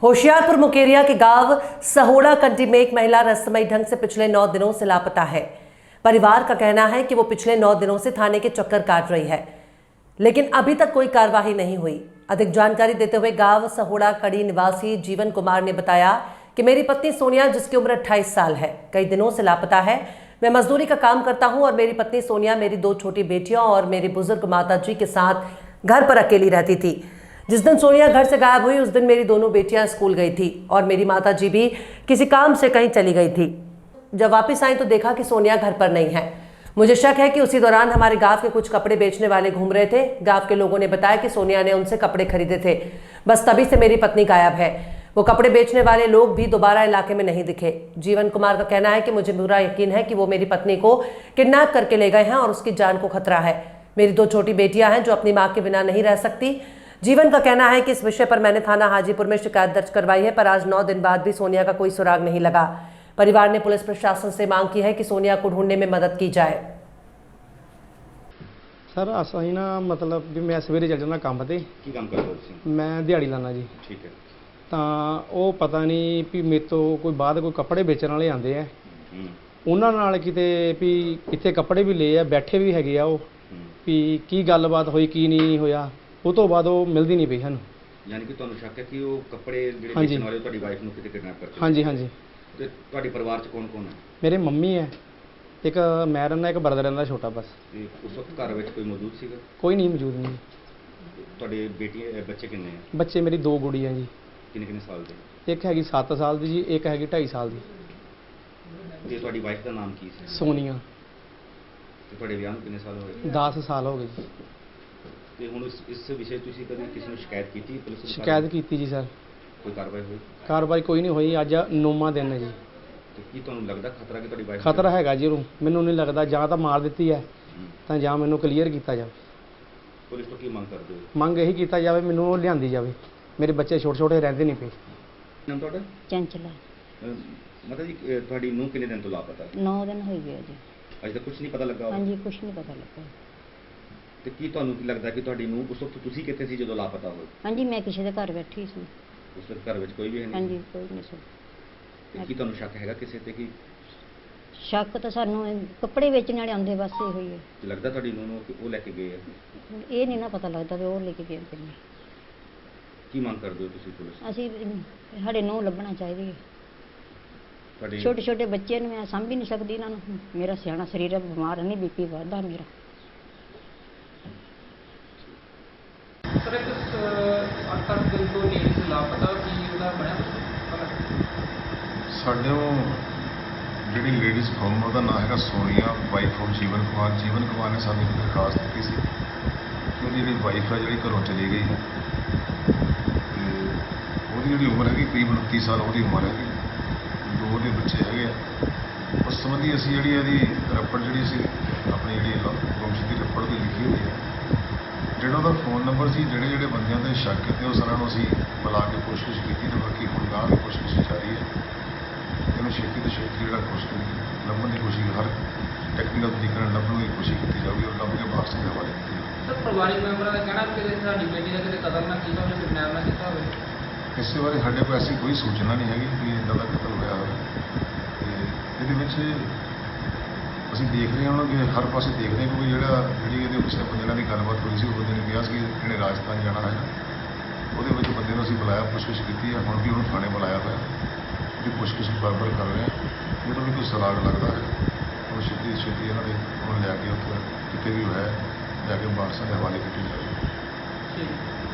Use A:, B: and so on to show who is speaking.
A: होशियारपुर मुकेरिया के गांव सहोड़ा कंटी में एक महिला रहस्यमयी ढंग से पिछले 9 दिनों से लापता है। परिवार का कहना है कि वो पिछले 9 दिनों से थाने के चक्कर काट रही है, लेकिन अभी तक कोई कार्रवाई नहीं हुई। अधिक जानकारी देते हुए गांव सहोड़ा कड़ी निवासी जीवन कुमार ने बताया कि मेरी पत्नी सोनिया, जिसकी उम्र 28 साल है, कई दिनों से लापता है। मैं मजदूरी का काम करता हूं और मेरी पत्नी सोनिया मेरी 2 छोटी बेटियों और मेरी बुजुर्ग माता जी के साथ घर पर अकेली रहती थी। जिस दिन सोनिया घर से गायब हुई उस दिन मेरी दोनों बेटियां स्कूल गई थी और मेरी माता जी भी किसी काम से कहीं चली गई थी। जब वापस आई तो देखा कि सोनिया घर पर नहीं है। मुझे शक है कि उसी दौरान हमारे गांव के कुछ कपड़े बेचने वाले घूम रहे थे। गांव के लोगों ने बताया कि सोनिया ने उनसे कपड़े खरीदे थे, बस तभी से मेरी पत्नी गायब है। वो कपड़े बेचने वाले लोग भी दोबारा इलाके में नहीं दिखे। जीवन कुमार का कहना है कि मुझे पूरा यकीन है कि वो मेरी पत्नी को किडनैप करके ले गए हैं और उसकी जान को खतरा है। मेरी 2 छोटी बेटियां हैं जो अपनी मां के बिना नहीं रह सकती। जीवन का कहना है कि इस विषय पर मैंने थाना हाजीपुर में शिकायत दर्ज करवाई है, पर आज 9 दिन बाद भी सोनिया का कोई सुराग नहीं लगा। परिवार ने पुलिस प्रशासन से मांग की है कि सोनिया को ढूंढने में मदद की जाए।
B: सर असं ना मतलब भी मैं सवेरे चल जाना काम ते
C: ਕੀ ਕੰਮ ਕਰਦੇ ਹੋ ਤੁਸੀਂ?
B: मैं दिहाड़ी लाना जी।
C: ਠੀਕ ਹੈ।
B: ਤਾਂ ਉਹ ਪਤਾ ਨਹੀਂ ਵੀ ਮੇਰੇ ਤੋਂ ਕੋਈ ਬਾਅਦ ਕੋਈ ਕੱਪੜੇ ਵੇਚਣ ਵਾਲੇ ਆਉਂਦੇ ਆ,
C: ਹੂੰ
B: ਉਹਨਾਂ ਨਾਲ ਕਿਤੇ ਵੀ ਇੱਥੇ ਕੱਪੜੇ ਵੀ ਲਏ ਆ, ਬੈਠੇ ਵੀ ਹੈਗੇ ਆ ਉਹ, ਵੀ ਕੀ ਗੱਲਬਾਤ ਹੋਈ ਕੀ ਨਹੀਂ ਹੋਇਆ। ਉਹ ਤੋਂ ਬਾਅਦ ਉਹ ਮਿਲਦੀ ਨਹੀਂ ਪਈ ਸਾਨੂੰ।
C: ਯਾਨੀ ਕਿ ਤੁਹਾਨੂੰ ਸ਼ੱਕ ਹੈ ਕਿ ਉਹ ਕੱਪੜੇ ਜਿਹੜੇ
B: ਹਾਂਜੀ।
C: ਵੇਚਣ ਵਾਲੇ ਉਹ ਤੁਹਾਡੀ ਵਾਈਫ ਨੂੰ ਕਿਤੇ ਕਿਡਨੈਪ ਕਰ ਚੁੱਕੇ?
B: ਹਾਂਜੀ ਹਾਂਜੀ।
C: ਤੇ ਤੁਹਾਡੇ ਪਰਿਵਾਰ 'ਚ ਕੌਣ ਕੌਣ ਹੈ?
B: ਮੇਰੇ ਮੰਮੀ ਹੈ, ਇੱਕ ਮੈਂ ਰਹਿੰਦਾ, ਇੱਕ ਬਰਦਰ ਰਹਿੰਦਾ ਛੋਟਾ ਬਸ।
C: ਤੇ ਉਸ ਵਕਤ ਘਰ ਵਿੱਚ ਕੋਈ ਮੌਜੂਦ ਸੀਗਾ?
B: ਕੋਈ ਨਹੀਂ ਮੌਜੂਦ ਨਹੀਂ।
C: ਤੁਹਾਡੇ ਬੱਚੇ ਕਿੰਨੇ ਆ?
B: ਬੱਚੇ ਮੇਰੀ 2 ਗੁੜੀਆਂ ਜੀ।
C: ਕਿੰਨੇ ਕਿੰਨੇ ਸਾਲ ਦੇ?
B: ਇੱਕ ਹੈਗੀ 7 ਸਾਲ ਦੀ ਜੀ, ਇੱਕ ਹੈਗੀ 2.5 ਸਾਲ ਦੀ।
C: ਤੇ ਤੁਹਾਡੀ ਵਾਈਫ ਦਾ ਨਾਮ ਕੀ ਸੀ?
B: ਸੋਨੀਆ।
C: ਤੇ ਤੁਹਾਡੇ ਵਿਆਹ ਨੂੰ ਕਿੰਨੇ ਸਾਲ ਹੋਏ?
B: 10 ਸਾਲ ਹੋ ਗਏ ਜੀ।
C: ਤੇ ਹੁਣ ਇਸ ਵਿਸ਼ੇ ਤੁਸੀਂ ਕਦੇ ਕਿਸੇ ਨੂੰ ਸ਼ਿਕਾਇਤ ਕੀਤੀ ਪੁਲਿਸ ਨੂੰ?
B: ਸ਼ਿਕਾਇਤ ਕੀਤੀ ਜੀ ਸਰ।
C: ਕੋਈ ਕਾਰਵਾਈ ਹੋਈ?
B: ਕਾਰਵਾਈ ਕੋਈ ਨਹੀਂ ਹੋਈ। ਅੱਜ 9ਵਾਂ ਦਿਨ ਹੈ ਜੀ।
C: ਤੇ ਕੀ ਤੁਹਾਨੂੰ ਲੱਗਦਾ ਖਤਰਾ ਕਿ ਤੁਹਾਡੀ ਵਾਈਫ?
B: ਖਤਰਾ ਹੈਗਾ ਜੀ ਉਹਨੂੰ, ਮੈਨੂੰ ਨਹੀਂ ਲੱਗਦਾ। ਜਾਂ ਤਾਂ ਮਾਰ ਦਿੱਤੀ ਹੈ ਤਾਂ ਜਾਂ ਮੈਨੂੰ ਕਲੀਅਰ ਕੀਤਾ ਜਾਵੇ।
C: ਪੁਲਿਸ ਤੋਂ ਕੀ ਮੰਗ ਕਰਦੇ ਹੋ?
B: ਮੰਗ ਇਹੀ ਕੀਤਾ ਜਾਵੇ, ਮੈਨੂੰ ਉਹ ਲਿਆਂਦੀ ਜਾਵੇ। ਮੇਰੇ ਬੱਚੇ ਛੋਟੇ ਛੋਟੇ ਰਹਿੰਦੇ ਨਹੀਂ ਪਏ।
C: ਨਾਮ ਤੁਹਾਡਾ?
D: ਚੰਚਲਾ।
C: ਮਾਤਾ ਜੀ ਤੁਹਾਡੀ ਨੂੰਹ ਕਿੰਨੇ ਦਿਨ ਤੋਂ ਲਾਪਤਾ?
D: 9 ਦਿਨ ਹੋ ਗਏ ਜੀ।
C: ਅਜੇ ਤੱਕ ਕੁਝ ਨਹੀਂ ਪਤਾ ਲੱਗਾ?
D: ਹਾਂਜੀ, ਕੁਛ ਨਹੀਂ ਪਤਾ ਲੱਗਾ।
C: ਤੇ ਕੀ ਤੁਹਾਨੂੰ ਕੀ ਲੱਗਦਾ ਕਿ ਤੁਹਾਡੀ ਨੂੰਹ ਉਸ ਵਕਤ ਤੁਸੀਂ ਕਿੱਥੇ ਸੀ ਜਦੋਂ ਲਾਪਤਾ ਹੋਏ?
D: ਹਾਂਜੀ, ਮੈਂ ਕਿਸੇ ਦੇ ਘਰ ਬੈਠੀ ਸੀ।
C: ਉਸ ਵਕਤ ਘਰ ਵਿੱਚ ਕੋਈ ਵੀ ਹੈ ਨਹੀਂ?
D: ਹਾਂਜੀ, ਕੋਈ ਨਹੀਂ ਸੀ।
C: ਤੇ ਕੀ ਤੁਹਾਨੂੰ ਸ਼ੱਕ ਹੈਗਾ ਕਿਸੇ ਤੇ ਕਿ
D: ਸ਼ੱਕ ਤਾਂ ਸਾਨੂੰ ਕੱਪੜੇ ਵੇਚਣ ਵਾਲੇ ਆਉਂਦੇ ਬਸ ਇਹੋ ਹੀ ਹੈ।
C: ਲੱਗਦਾ ਤੁਹਾਡੀ ਨੂੰਹ ਨੂੰ ਕਿ ਉਹ ਲੈ ਕੇ ਗਏ ਆ?
D: ਇਹ ਨਹੀਂ ਨਾ ਪਤਾ ਲੱਗਦਾ ਵੀ ਉਹ ਲੈ ਕੇ ਗਏ ਕਿ ਨਹੀਂ।
C: ਕੀ ਮੰਗ ਕਰਦੇ ਹੋ ਤੁਸੀਂ ਪੁਲਿਸ ਤੋਂ?
D: ਅਸੀਂ ਸਾਡੇ ਨੂੰ ਲੱਭਣਾ ਚਾਹੀਦੀ ਹੈ।
C: ਤੁਹਾਡੇ
D: ਛੋਟੇ ਛੋਟੇ ਬੱਚੇ ਨੂੰ ਮੈਂ ਸਾਂਭ ਹੀ ਨਹੀਂ ਸਕਦੀ ਇਹਨਾਂ ਨੂੰ। ਮੇਰਾ ਸਿਆਣਾ ਸਰੀਰ ਹੈ, ਬਿਮਾਰ ਨਹੀਂ, BP ਵੱਧਦਾ ਮੇਰਾ।
E: ਸਰ ਇੱਕ 8 ਦਿਨ ਤੋਂ ਲੇਡੀ ਲਾਪਤਾ, ਕੀ ਉਹਦਾ ਬਣਿਆ ਪਤਾ?
F: ਸਾਡੇ ਉਹ ਜਿਹੜੀ ਲੇਡੀਜ਼ ਫਰਮ ਉਹਦਾ ਨਾਮ ਹੈਗਾ ਸੋਨੀਆ, ਵਾਈਫ ਆਫ ਜੀਵਨ ਕੁਮਾਰ। ਜੀਵਨ ਕੁਮਾਰ ਨੇ ਸਾਨੂੰ ਇੱਕ ਦਰਖਾਸਤ ਦਿੱਤੀ ਸੀ ਕਿ ਉਹਦੀ ਜਿਹੜੀ ਵਾਈਫ ਹੈ ਜਿਹੜੀ ਘਰੋਂ ਚਲੀ ਗਈ ਹੈ ਤੇ ਉਹਦੀ ਜਿਹੜੀ ਉਮਰ ਹੈਗੀ ਕਰੀਬ 29 ਸਾਲ ਉਹਦੀ ਉਮਰ ਹੈਗੀ। 2 ਉਹਦੇ ਬੱਚੇ ਹੈਗੇ ਆ। ਉਸ ਸੰਬੰਧੀ ਅਸੀਂ ਜਿਹੜੀ ਇਹਦੀ ਰੱਪੜ ਜਿਹੜੀ ਅਸੀਂ ਆਪਣੀ ਜਿਹੜੀ ਗੁੰਮਸ਼ੁਦਗੀ ਦੀ ਰੱਪੜ ਦੀ ਲਿਖੀ ਹੋਈ ਹੈ। ਜਿਹੜਾ ਉਹਦਾ ਫੋਨ ਨੰਬਰ ਸੀ, ਜਿਹੜੇ ਬੰਦਿਆਂ ਤੇ ਸ਼ੱਕ ਕੀਤੇ ਉਹ ਸਾਰਿਆਂ ਨੂੰ ਅਸੀਂ ਬੁਲਾ ਕੇ ਕੋਸ਼ਿਸ਼ ਕੀਤੀ ਤੇ ਬਾਕੀ ਹੁਣ ਗਾਂਹ ਦੀ ਕੋਸ਼ਿਸ਼ ਜਾਰੀ ਹੈ। ਇਹਨੂੰ ਛੇਤੀ ਤੋਂ ਛੇਤੀ ਜਿਹੜਾ ਲੱਭਣ ਦੀ ਕੋਸ਼ਿਸ਼, ਹਰ ਟੈਕਨੀਕਲ ਤਰੀਕੇ ਨਾਲ ਲੱਭਣ ਦੀ ਕੋਸ਼ਿਸ਼ ਕੀਤੀ ਜਾਊਗੀ ਔਰ ਲੱਭ ਕੇ ਬਾਕਸ ਦੇ ਹਵਾਲੇ ਕੀਤੀ ਜਾਊਗੀ।
E: ਸਰ ਪਰਿਵਾਰਿਕ ਮੈਂਬਰਾਂ ਦਾ ਕਹਿਣਾ ਕਿ ਸਾਡੀ ਬੇਟੀ ਦਾ ਕਿਤੇ ਕਤਲ ਨਾ ਕੀਤਾ ਹੋਵੇ, ਕਿਡਨੈਪ ਨਾ ਕੀਤਾ ਹੋਵੇ।
F: ਇਸੇ ਬਾਰੇ ਸਾਡੇ ਕੋਲ ਐਸੀ ਕੋਈ ਸੂਚਨਾ ਨਹੀਂ ਹੈਗੀ ਕਿ ਇੱਦਾਂ ਦਾ ਕਤਲ ਹੋਇਆ ਹੋਵੇ। ਤੇ ਇਹਦੇ ਵਿੱਚ ਅਸੀਂ ਦੇਖ ਰਹੇ ਹਾਂ ਕਿ ਹਰ ਪਾਸੇ ਦੇਖਦੇ ਹਾਂ ਕਿ ਜਿਹੜੀ ਇਹਦੇ ਪਿਛਲੇ ਬੰਦੇ ਨਾਲ ਦੀ ਗੱਲਬਾਤ ਹੋਈ ਸੀ, ਉਹ ਬੰਦੇ ਨੇ ਕਿਹਾ ਸੀ ਕਿ ਇਹਨੇ ਰਾਜਸਥਾਨ ਜਾਣਾ ਹੈ। ਉਹਦੇ ਵਿੱਚ ਬੰਦੇ ਨੂੰ ਅਸੀਂ ਬੁਲਾਇਆ, ਪੁੱਛਗਿੱਛ ਕੀਤੀ ਹੈ। ਹੁਣ ਵੀ ਉਹਨੂੰ ਥਾਣੇ ਬੁਲਾਇਆ ਹੋਇਆ, ਉਹਦੀ ਪੁੱਛਗਿੱਛ ਬਰਾਬਰ ਕਰ ਰਹੇ ਹਾਂ। ਜਦੋਂ ਵੀ ਕੋਈ ਸੁਰਾਗ ਲੱਗਦਾ ਹੈ ਉਹ ਛੇਤੀ ਤੋਂ ਛੇਤੀ ਇਹਨਾਂ ਦੇ ਉਹਨੂੰ ਲਿਆ ਕੇ ਉੱਥੇ ਕਿਤੇ ਵੀ ਹੋਇਆ ਜਾ ਕੇ ਬਾਕਸਾਂ ਦੇ ਹਵਾਲੇ ਕੀਤੀ ਜਾਵੇ।
E: ਠੀਕ।